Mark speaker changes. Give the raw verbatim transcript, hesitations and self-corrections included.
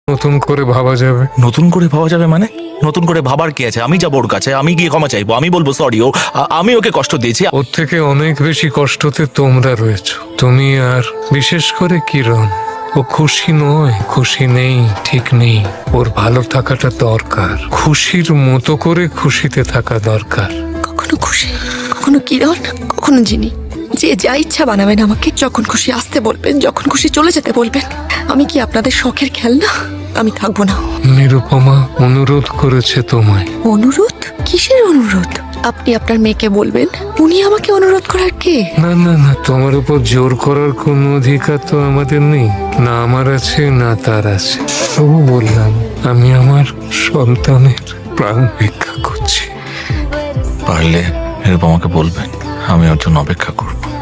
Speaker 1: নতুন করে ভাবা যাবে।
Speaker 2: নতুন করে ভাবা যাবে মানে? নতুন করে ভাবার কি আছে? আমি যাবো ওর কাছে, আমি গিয়ে ক্ষমা চাইবো, আমি বলবো সরি, ও আ- আমি ওকে কষ্ট দিয়েছি।
Speaker 1: ওর থেকে অনেক বেশি কষ্টতে তোমরা রয়েছো, তুমি আর বিশেষ করে কিরণ। ও খুশি নয়, খুশি নেই, ঠিক নেই। ওর ভালো থাকাটা দরকার, খুশির মতো করে খুশিতে থাকা দরকার।
Speaker 3: কখনো খুশি, কখনো কিরণ, কখনো জিনি। যে যা ইচ্ছা বানাবেন আমাকে, যখন খুশি আসতে বলবেন, যখন খুশি চলে যেতে বলবেন। আমি কি আপনাদের শখের খেলনা? আমি থাকবো না।
Speaker 1: নিরুপমা অনুরোধ করেছে তোমায়।
Speaker 3: অনুরোধ? কিসের অনুরোধ? আপনি আপনার মেয়েকে বলবেন, উনি আমাকে অনুরোধ করার কে?
Speaker 1: না না না, তোমার উপর জোর করার কোনো অধিকার তো আমাদের নেই, না আমার আছে না তার আছে। তবু বললাম, আমি আমার সন্তানের প্রাণ ভিক্ষা করছি।
Speaker 2: পারলে নিরুপমাকে বলবেন আমি ওর জন্য অপেক্ষা করবো।